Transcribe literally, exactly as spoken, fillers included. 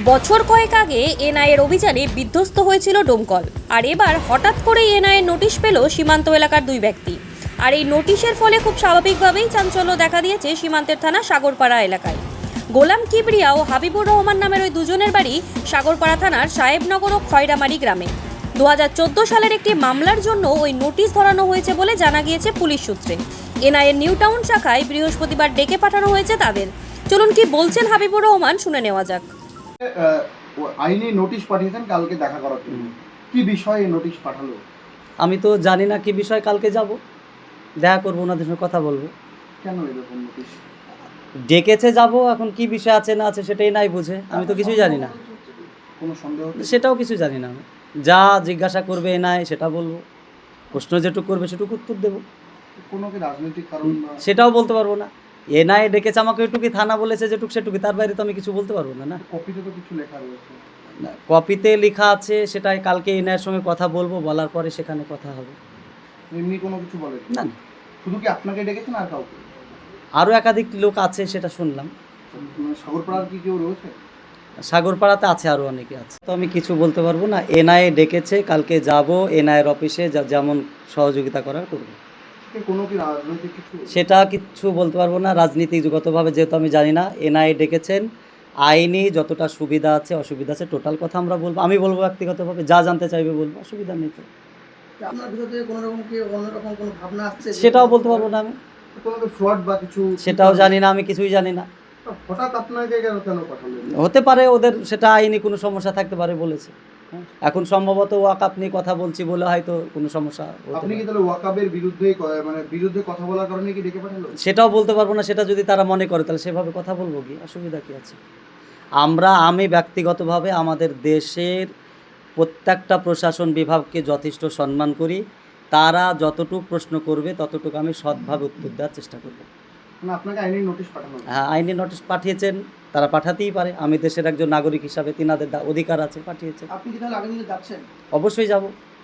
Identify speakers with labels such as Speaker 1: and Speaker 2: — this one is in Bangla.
Speaker 1: বছর কয়েক আগে এনআইএর অভিযানে বিধ্বস্ত হয়েছিল ডোমকল, আর এবার হঠাৎ করেই এনআইএর নোটিশ পেল সীমান্ত এলাকার দুই ব্যক্তি। আর এই নোটিশের ফলে খুব স্বাভাবিকভাবেই চাঞ্চল্য দেখা দিয়েছে সীমান্তের থানা সাগরপাড়া এলাকায়। গোলাম কিবরিয়া ও হাবিবুর রহমান নামের ওই দুজনের বাড়ি সাগরপাড়া থানার সাহেবনগর ও খয়রামারি গ্রামে। দু হাজার চোদ্দো সালের একটি মামলার জন্য ওই নোটিশ ধরানো হয়েছে বলে জানা গিয়েছে পুলিশ সূত্রে। এনআইএর নিউ টাউন শাখায় বৃহস্পতিবার ডেকে পাঠানো হয়েছে তাদের। চলুন কি বলছেন হাবিবুর রহমান, শুনে নেওয়া যাক।
Speaker 2: আইনি নোটিশ পাঠিয়েছেন কালকে দেখা করার জন্য, কি বিষয়ে নোটিশ পাঠালো?
Speaker 3: আমি তো জানি না কি বিষয়, কালকে যাব, দেখা করবো, ওনাদের সঙ্গে কথা বলবো।
Speaker 2: কেন এরকম নোটিশ
Speaker 3: ডেকেছে, যাব, এখন কি বিষয় আছে না আছে সেটাই নাই বুঝে, আমি তো কিছুই জানি না।
Speaker 2: কোনো সন্দেহ?
Speaker 3: সেটাও কিছু জানি না আমি। যা জিজ্ঞাসা করবে নাই সেটা বলবো, প্রশ্ন যেটুকু করবে সেটুকু উত্তর দেবো।
Speaker 2: কোনো কি রাজনৈতিক কারণ?
Speaker 3: সেটাও বলতে পারবো না। এনআই ডেকেছে আমাকে, ওইটুকুই, থানা বলেছে যেটুক সেটুকু, তার বাইরে তো আমি কিছু বলতে পারবো না। না,
Speaker 2: কপিতে তো কিছু লেখা রয়েছে।
Speaker 3: না, কপিতে লেখা আছে, সেটাই কালকে এনআইয়ের সঙ্গে কথা বলবো, বলার পরে সেখানে কথা হবে।
Speaker 2: এমনি কোনো কিছু বলে
Speaker 3: না না,
Speaker 2: শুধু কি আপনাকে ডেকেছেন আর কাউকে?
Speaker 3: আরও একাধিক লোক আছে, সেটা শুনলাম।
Speaker 2: মানে সাগরপাড়ার কি কেউ রয়েছে?
Speaker 3: সাগরপাড়াতে আছে, আরও অনেকে আছে, তো আমি কিছু বলতে পারবো না। এনআইএ ডেকেছে, কালকে যাব, এনআইয়ের অফিসে যা- যেমন সহযোগিতা করার করবো।
Speaker 2: কোনো কি রাজনৈতিক কিছু?
Speaker 3: সেটা কিছু বলতে পারবো না, রাজনীতিগতভাবে যেহেতু আমি জানি না। এনআইএ ডেকেছেন, আইনি যতটা সুবিধা আছে অসুবিধা আছে টোটাল কথা আমরা বলবো, আমি বলবো ব্যক্তিগতভাবে, যা জানতে চাইবে বলবো, অসুবিধা নেই তো।
Speaker 4: আপনার ভিতরে কোনো রকম কি অন্যরকম কোনো ভাবনা আসছে?
Speaker 3: সেটাও বলতে পারবো না আমি,
Speaker 2: কোনো কি ফ্রড বা কিছু?
Speaker 3: সেটাও জানি না, আমি কিছুই জানি না।
Speaker 2: হঠাৎ আপনাকে কেন কেন পাঠালো?
Speaker 3: হতে পারে ওদের সেটা আইনি কোনো সমস্যা থাকতে পারে বলেছে। হ্যাঁ, এখন সম্ভবত ওয়াকআপ নিয়ে কথা বলছি বলে হয়তো কোনো সমস্যা হতে
Speaker 2: আপনি কি
Speaker 3: পারে।
Speaker 2: তাহলে ওয়াকাবের বিরুদ্ধে মানে বিরুদ্ধে কথা বলার কারণে কি ডেকে পাঠালো?
Speaker 3: সেটাও বলতে পারবো না, সেটা যদি তারা মনে করে তাহলে সেভাবে কথা বলবো, কি অসুবিধা কি আছে। আমরা আমি ব্যক্তিগতভাবে আমাদের দেশের প্রত্যেকটা প্রশাসন বিভাগকে যথেষ্ট সম্মান করি। তারা যতটুকু প্রশ্ন করবে ততটুকু আমি সৎভাবে উত্তর দেওয়ার চেষ্টা করব।
Speaker 2: মানে আপনাকে আইনি নোটিশ পাঠানো?
Speaker 3: হ্যাঁ, আইনি নোটিশ পাঠিয়েছেন, তারা পাঠাতেই পারে, আমি দেশের একজন নাগরিক হিসাবে তিনাদের দা- অধিকার আছে, পাঠিয়েছেন।
Speaker 4: আপনি কি তাহলে আগামী দিনে যাচ্ছেন?
Speaker 3: অবশ্যই যাব।